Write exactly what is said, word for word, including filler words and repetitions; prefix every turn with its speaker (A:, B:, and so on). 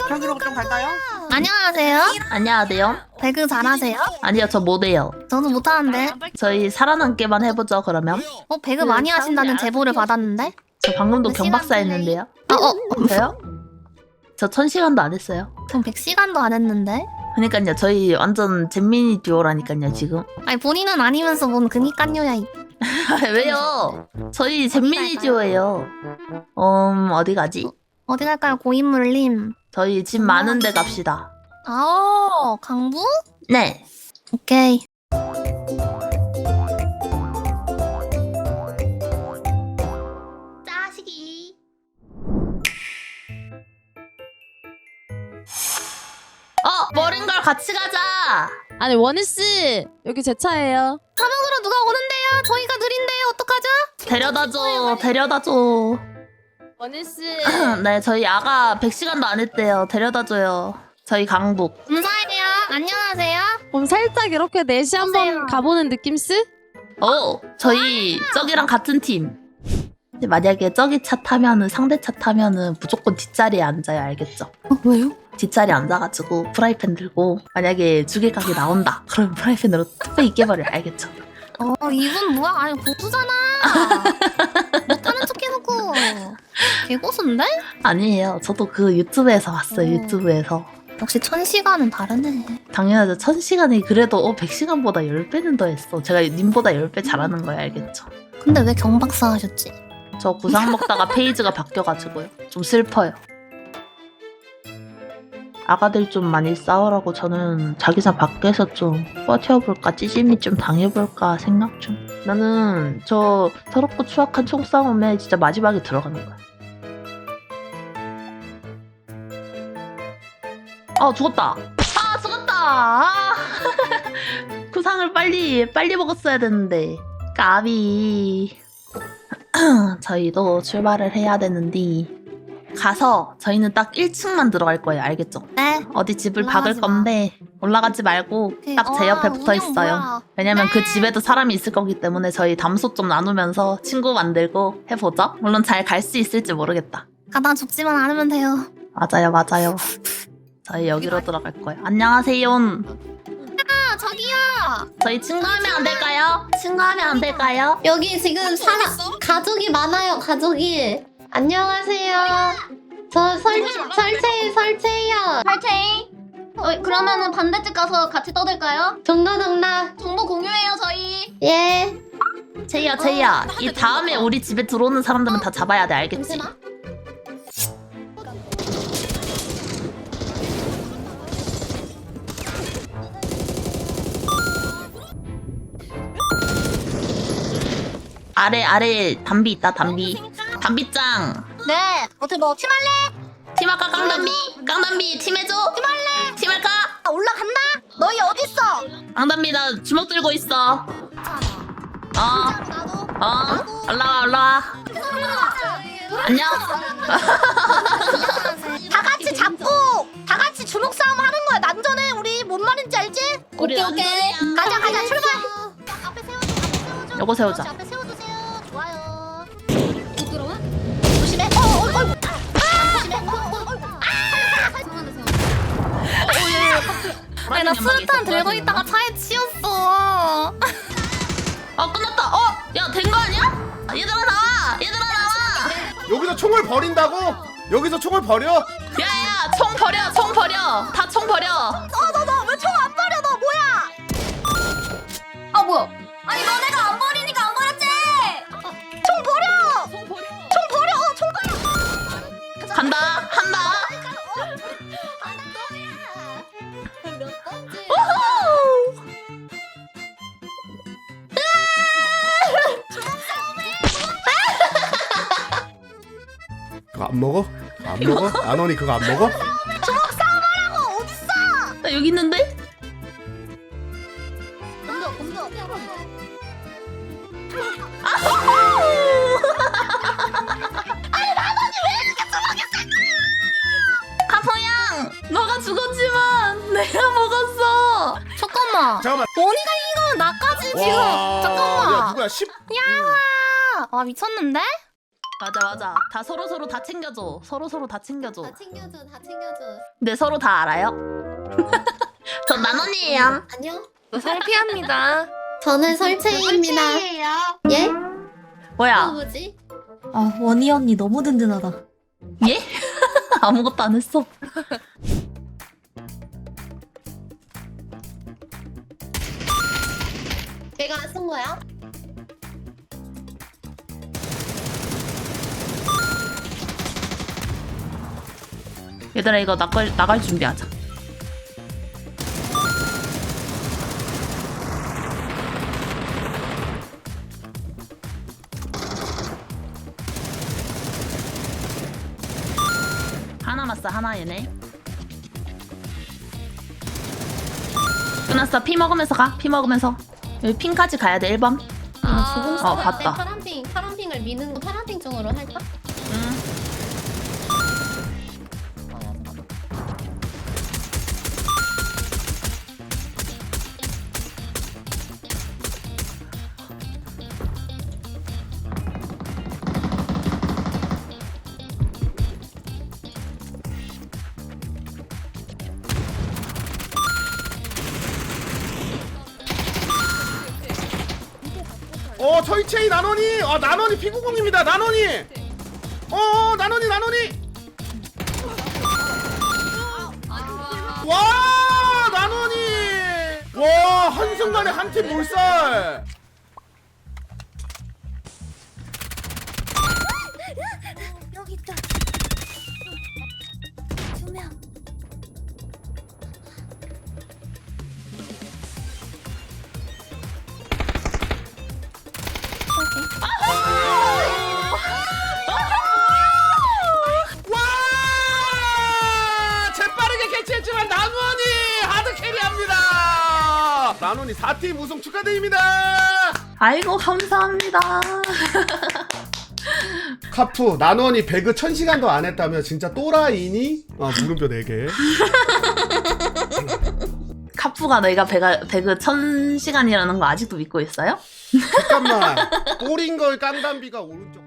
A: 저기로 좀 갈까요?
B: 안녕하세요.
C: 안녕하세요.
B: 배그 잘하세요?
C: 아니요, 저 못해요.
B: 저도 못하는데.
C: 저희 살아남기만 해보죠, 그러면.
B: 어 배그 많이 하신다는 제보를 받았는데.
C: 저 방금도
B: 몇
C: 경박사
B: 시간
C: 했는데요.
B: 아, 어,
C: 저요? 저 천 시간도 안 했어요.
B: 전 백 시간도 안 했는데.
C: 그러니까요, 저희 완전 잼민이 듀오라니까요, 지금.
B: 아니 본인은 아니면서 뭔 그니깐요야. 이-
C: 왜요? 저희 잼민이 듀오예요. 음, 어디 가지?
B: 어디 갈까요, 고인물님?
C: 저희 집 많은 데 갑시다.
B: 아오, 강부?
C: 네.
B: 오케이. 짜식이.
C: 어, 머린걸 같이 가자.
D: 아니 원희씨 여기 제 차예요.
B: 사명으로 누가 오는데요? 저희가 느린데요. 어떡하죠?
C: 데려다줘, 데려다줘.
D: 원희씨
C: 네, 저희 아가 백 시간도 안 했대요. 데려다줘요. 저희 강북.
B: 감사해요. 안녕하세요.
D: 그럼 살짝 이렇게 넷이 한번
B: 오세요.
D: 가보는 느낌스?
C: 어, 저희 저기랑 같은 팀. 근데 만약에 저기 차 타면은 상대 차 타면은 무조건 뒷자리에 앉아요. 알겠죠?
B: 어, 왜요?
C: 뒷자리에 앉아가지고 프라이팬 들고 만약에 죽일 각이 나온다. 그러면 프라이팬으로 뚝배기 깨버려. 알겠죠?
B: 어, 이분 뭐야? 아니, 고수잖아. 못하는 척 해놓고. 개고수인데?
C: 아니에요. 저도 그 유튜브에서 봤어요.
B: 어.
C: 유튜브에서.
B: 역시 천 시간은 다르네.
C: 당연하죠. 천 시간이 그래도 어, 백 시간보다 십 배는 더 했어. 제가 님보다 십 배 잘하는 거예요. 알겠죠?
B: 근데 왜 경박사 하셨지?
C: 저 구상 먹다가 페이지가 바뀌어가지고요. 좀 슬퍼요. 아가들 좀 많이 싸우라고 저는 자기장 밖에서 좀 버텨볼까 찌짐이 좀 당해볼까 생각 중. 나는 저 더럽고 추악한 총싸움에 진짜 마지막에 들어가는 거야. 아 죽었다. 아 죽었다. 아. 구상을 빨리 빨리 먹었어야 되는데 까비. 저희도 출발을 해야 되는데 가서 저희는 딱 일 층만 들어갈 거예요. 알겠죠?
B: 네.
C: 어디 집을
B: 올라가지
C: 박을 건데 올라가지 말고 딱 제 옆에 붙어 있어요. 왜냐면 그 집에도 사람이 있을 거기 때문에 저희 담소 좀 나누면서 친구 만들고 해보죠. 물론 잘 갈 수 있을지 모르겠다.
B: 가다 죽지만 않으면 돼요.
C: 맞아요, 맞아요. 저희 여기로 들어갈 거예요. 안녕하세요.
B: 아, 저기요.
C: 저희 친구하면 안 될까요? 친구하면 안 될까요?
E: 여기 지금 사람 가족이 많아요. 가족이. 안녕하세요. 저 설 설채 설채요.
F: 팔체이. 어, 그러면은 반대쪽 가서 같이 떠들까요?
E: 동나 동나.
F: 정보 공유해요 저희.
E: 예.
C: 제이야, 제이야. 이 다음에 우리 집에 들어오는 사람들은 다 잡아야 돼. 알겠지?
F: 잠시만.
C: 아래 아래 담비 있다. 담비. 담비짱.
F: 네. 어떻게 뭐 팀할래?
C: 팀할까 깡담비? 깡담비 팀해줘? 팀할래? 팀할까?
F: 아, 올라간다. 너희 어딨어?
C: 깡담비 나 주먹 들고 있어. 어,
F: 나도.
C: 어, 올라와 올라와. 안녕.
F: 다 같이 잡고 다 같이 주먹 싸움 하는 거야. 난전해 우리. 뭔 말인지 알지?
C: 우리
F: 오케이 오케이. 가자 가자 출발. 앞에 세워줘. 앞에 세워줘.
C: 요거 세우자.
F: 그렇지, 앞에 세워주세요. 좋아요. 부끄러워? 조심해. 어, 어, 어. 아! 조심해. 어, 어, 어. 아!
B: 아니, 나 수류탄 들고 있다가 차에 치였어.
C: 어 끝났다. 어, 야 된 거 아니야? 얘들아 나와. 얘들아 나와.
A: 여기서 총을 버린다고? 여기서 총을 버려?
C: 야야 총 버려. 총 버려. 다 총 버려.
F: 왜 총 안 버려? 너 뭐야? 아 뭐야? 아니 너네가 안 버리니까 안 버렸지? 총 버려! 총 버려! 총 버려! 총 버려!
C: 간다. 한다.
F: 몇 번째?
C: 우후.
A: 그거 안 먹어? 안 먹어? 안원이 그거 안 먹어?
F: 어 어딨어?
C: 나 여기 있는데?
F: 공도 공도.
C: 카포양, 너가 죽었지만 내가 먹었어.
B: 잠깐만.
A: 잠깐만.
B: 원희가 이기면 나까지 지금.
A: 와,
B: 잠깐만.
A: 야 누구야? 십.
B: 야, 와 미쳤는데?
C: 맞아 맞아. 다 서로 서로 다 챙겨줘. 서로 서로 다 챙겨줘.
E: 다 챙겨줘, 다 챙겨줘.
C: 근데 서로 다 알아요? 전 만원이에요.
E: 안녕?
B: 설피합니다.
E: 저는 설채입니다. 예? 또
C: 뭐야?
E: 뭐지?
F: 아 원희 언니 너무 든든하다.
C: 예? 아무것도 안 했어.
E: 내가 쓴 거야?
C: 얘들아 이거 나갈 나갈 준비하자. 하나 맞어 하나 얘네. 끝났어. 피 먹으면서 가. 피 먹으면서. 여기 핑까지 가야 돼. 일 번.
E: 아, 조금
C: 어,
E: 어,
C: 봤다.
E: 파란핑, 파란핑을 미는 거 파란핑 쪽으로 할까?
C: 응.
A: 어 철체이 나노니. 어 나노니 피구공입니다. 나노니. 어 나노니 나노니. 와 나노니. 와 한순간에 한 팀 몰살.
F: 여기 있다. 두 명.
A: 와 재빠르게 캐치했지만 나노니 하드 캐리합니다. 나노니 사 팀 우승 축하드립니다.
C: 아이고 감사합니다.
A: 카푸 나노니 배그 천 시간도 안 했다며 진짜 또라이니? 아 물음표 네 개.
C: 카푸가 너희가 배가, 배그 천 시간이라는 거 아직도 믿고 있어요?
A: 잠깐만 뽀링걸 깡담비가 오른쪽